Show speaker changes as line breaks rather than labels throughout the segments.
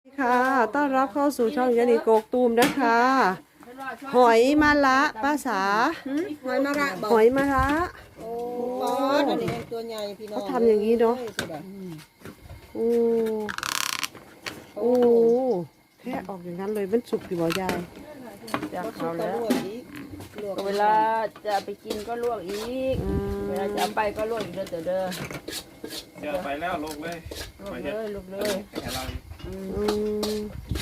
ค่ะต้อนรับเข้าสู่ช่องยานิโกกตูมนะคะหอยมะระภาษา
หอยมะระบอก
หอยมะระ
โอ้ปอดอันนี้ตัวใหญ่พี่น้อง
เขาทำอย่างนี้เนาะโอ้โอ้แค่ออกอย่างนั้นเลยมันสุกอยู่บ่ยาย
จาก
เขา
เขา
แล้
แล้ว ว
ลวก
เวลาจะไปกินก็ลวกอีก เวลาจะเอาไปก็ลวกอีกเด้อเด้อ
เจอไปแล้วลงเลย
ลวกเลยลวกเลย
แค่เรา
อืม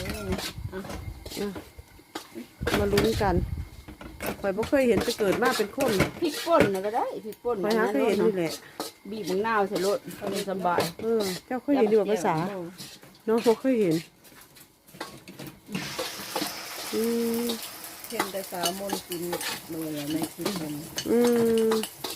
มาลุ้นกันข่อยบ่เคยเห็นจะเกิดมาเป็นคน
พริกป่นน่ะก็ได้พริกป่น
ข่อยหาเคยเห็นนี่แหละ
บีบมะนาวใส่รสเขาเลยสบาย
เจ้าเคยเห็นดีกว่าภาษาเนาะบ่เคยเห็นอืม
เห็นแต่สาวมนต์กินเลยในคลิปผม
อืม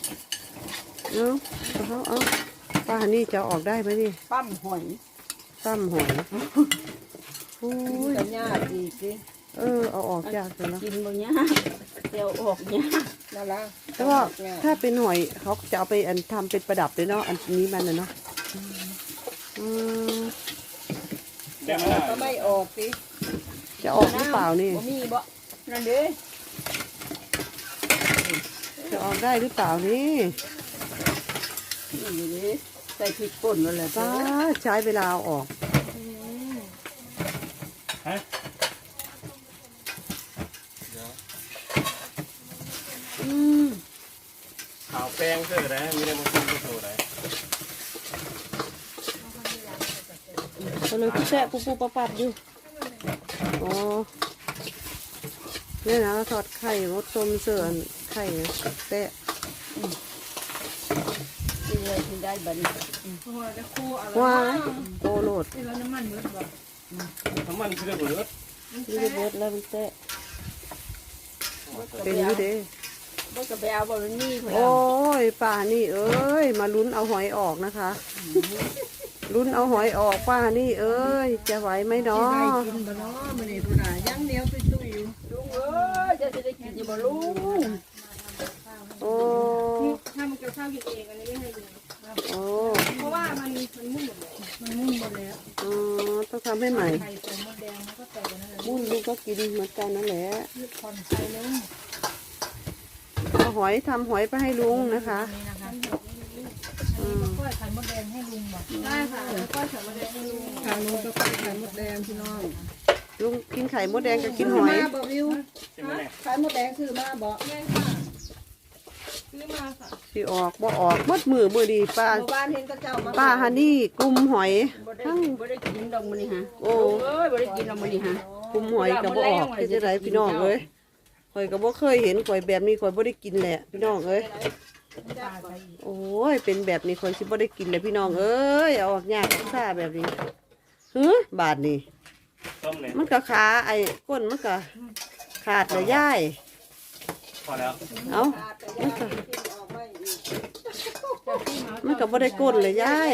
เอาป้าฮันนี่จะออกได้ไหมนี่
ปั้มหอย
ตั้มหอยโอ้ย
กับญาติอีกสิ
เอาออกยากเลยเนาะ
กินบ่เนี้ยเดี๋ยวออกเนี้ย
น่ารัก
แต่ว่าถ้าเป็นหอยเขาจะเอาไปทำเป็นประดับเลยเนาะอันนี้มันนะเนาะอืม
ได้ไหมล่ะ
ก็ไม่ออกสิ
จะออกหรือเปล่านี่
บ่มีบ่นั่นเด้
จะออกได้หรือเปล่านี่
นี่เด้ใส่พริกป่นนั่นแหละ
ป้าใช้เวลาเอาออก
ฮะ
อืม
ข่าวแป้งเสื้อได้มีได้มาซื้อมาโซ่ได้
ก็เลยพี่แซ่ปูปับอยู่อ๋อเนี่ยนะทอดไข่มดส้มเสื่อนไข่แตะ
กินเลยกินได้บัดนี้
ว้ายโตโหลด
น้ำมันคือได้เบิด
นี่จะเบิดแล้วมันแตะเป็นอยู่เด้
บ่ก็ไปเอาบ่มันมีพุ่น
โอ้ยป้านี่เอ้ยมาลุ้นเอาหอยออกนะคะลุ้นเอาหอยออกป้านี่เอ้ยจะไหวไหมเนาะ
กินบ่เนาะมื้อนี้พุ่นน่ะยังเหนียวตุ้ยๆอยู่
ลุงเอ้ยจะได้กินอยู่บ่ลุง
โอ้
ถ้ามันจะข้าวกินเองอันนี้ไม่ให้ดู
โอ้
เพราะว่ามันมุ่งหมดเลยมันมุ่งหมดแล้ว
อ๋อต้องทำให้ใหม่
ไข่ใส่มดแดงมันก็ใส่กันนั่นแหละ
มุ่นลูกก็กินเหมือนกันนั่นแหละ
ยืดผ่อนใส่ลง
เอาหอยทำหอยไปให้ลุงนะคะ
นี่นะคะอันนี้ก็ก้อยไข่มดแดงให้ลุงบอกได้ค่ะแล้วก้อยไข่มดแดงให้ลุง
ทางนู้นก็ไปไข่มดแดงพี่น้อง
ลุงกินไข่มดแดงกับกินหอย
มาบ่วิว
ใช่ไหมเนี่ย
ไข่มดแดงซื้อมาบ่
แม่ค่ะซื้อมาค่ะ
สิออกบ่ออกมดมือดีป้า
หมู่บ้านเห็นก็เจ้ามา
ป้าฮันนี่กลุ่มหอย
บ่ได้กินดอกมื้อนี้ฮะ
โอ้
เอ้ยบ่ได้กินดอกมื้อนี้ฮะ
กลุ่มหอยกับบ่ออกคือจะไรพี่น้องเอ้ยข่อยก็บ่เคยเห็นข่อยแบบนี้ข่อยบ่ได้กินแหละพี่น้องเอ้ยโอ้ยเป็นแบบนี้ข่อยสิบ่ได้กินเลยพี่น้องเอ้ยเอาออกยากซ่าแบบนี้บาดนี่
ต้มเลย
มันก็ขาไอ้ก้นมันก็ขาดเลยย่าย
พอแล้ว
เอามันก็มันก็บ่ได้ก้นเลยย่าย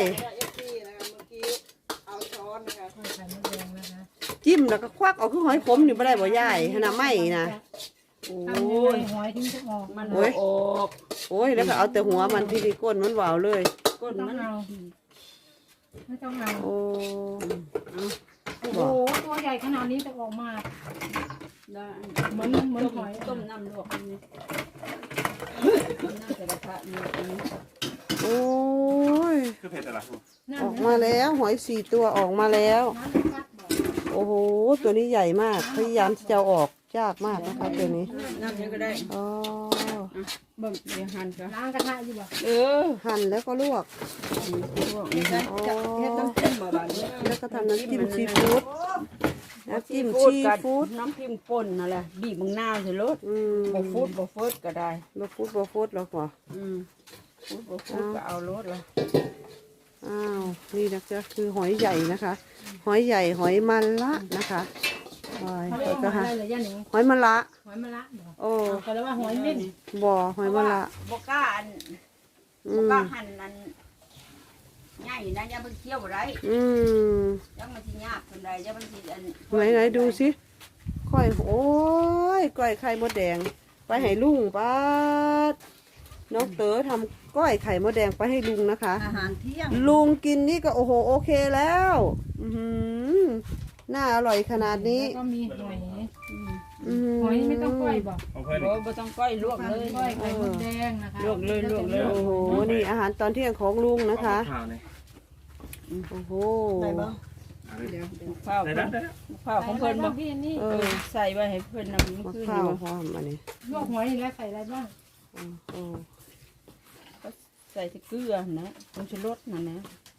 จิ้มแล้วก็ควักเอาคือหอยขมนี่บ่ได้บ่ย่ายขนาดไม่นะโอ้
ทำยังไงหอยถึงจะออก
มันบ่ออก
โอ้ยแล้วก็เอาแต่หัวมันที่ดีก้นมันวาวเลย
ก้น
ต้อง
มัน
เอาไม่ต้องเอา
โอ้
โอ้โหตัวใหญ่ขนาดนี้แต่ออกมา
ได้
เหมือนหอย
ต้มน้ำลวกนี่ต้มน้ำใส่กระทะนี่อันนี้
โอ้ย
คือเผ็ดอะไร
นั่น
ออกมาแล้วหอย4 ตัวออกมาแล้ว
น้ำกัดบอก
โอ้โหตัวนี้ใหญ่มากพยายามที่จะเอาออกยากมากนะคะตัวนี้
น้ำยังก็ได้
อ๋อ
เบิ่งเดี๋ยวหั่นก็
ล้างกระทะอยู่บ่
เออ
หั่นแล้วก็ลวก
ลวกนี่ฮะ
อ๋อ
เฮ็ดน้ำจิ้มบ่บาดนี้
แล้วก็ทำน้ำจิ้มซีฟู้ดน้ำจิ้มซีฟู้ด
น้ำจิ้มป่นนั่นแหละบีบมะนาวใส่รส
อืม
บ่ฟูดก็ได้
บ่ฟูดแล้วกว่า
ฟูดก็เอารสละ
อ้าวนี่นะจ๊ะคือหอยใหญ่นะคะ หอยใหญ่หอยมันละนะคะหอย
เขาเรียก
ก็
ว่าหอ
ฮะ
ยอะไรเหรอย่าหนิง
หอยมันละ
หอยมะระบอก
โอ้
เขาเรียกว่าหอยเม่น
บ่อหอยมันละ
บ่กล้าอัน
อื
บ่
ม
กล้าหั่นอันใหญ่นะอย่ามันเคี้ยวบ่ได้
อืม
ยังมันสิยากปานใดอย่ามันสิอัน
ไหนดูสิก้อยโอ้ยก้อยไข่มดแดง ไปให้ลุงป้าดน้องเต๋อทำก้อยไข่มดแดงไปให้ลุงนะคะ
อาหารเที่ยง
ลุงกินนี่ก็โอ้โหโอเคแล้ว อือหือน่าอร่อยขนาดนี้
แล้วก็มีหอย
อืม
หอยนี่ไม่ต้องก้อยบอก
ของเพื่อน
โอ้บ่ต้องก้อยลวกเลย
ก้อยไข่มดแดงนะคะ
ลวกเลยลวกเลย
โอ้โหนี่อาหารตอนเที่ยงของลุงนะคะ
ข้าวเนี่ย
โอ้โห
ได้บ่
ข้าว
ได้แล้วได้แล้ว
ข้าวของเพิ่นบ่
พี่นี่
เออ
ใส่ไว้ให้เพิ่นนำ
มะ
คืน
พร้าว
นี้
พร้อมอันนี้
ลวกหอยนี่แล้วใส่อะไรบ้าง
โอ้
ใส่ที่เกลือนะผงชูรสนั่นนะ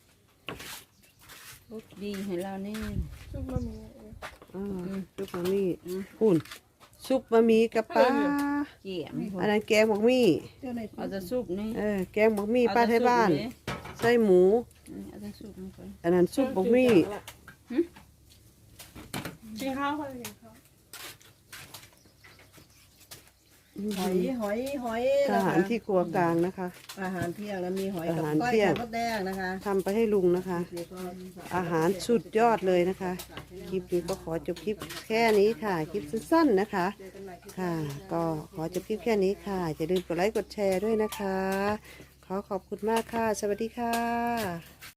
รสดีให้เรานี่
ซุปบะหมี่
ซุปบะหมี่หุ่นซุปบะหมี่กับปลา
เกี่ยม
อันนั้นแกงบักหมี่
เจ้าใน
เอาแต่ซุปนี่
แกงบักหมี่ป้าไทยบ้านไส้หมู
เอาแต่ซุปนี่ก่อน
อันนั้นซุปบักหมี่
กินข้าวค่ะกินข้าว
หอย
อาหารที่ครัวกลางนะคะ
อาหารเที่ยงแล้วมีหอยกับ
อาหาร
ก้อย
เที่ยง
ไข่มดแดงนะคะ
ทำไปให้ลุงนะคะ อาหารสุดยอดเลยนะคะ คลิปนี้ก็ขอจบคลิปแค่นี้ค่ะ คลิปสั้นๆนะคะ ค่ะ ก็ขอจบคลิปแค่นี้ค่ะอย่าลืมกดไลค์กดแชร์ด้วยนะคะ ขอขอบคุณมากค่ะ สวัสดีค่ะ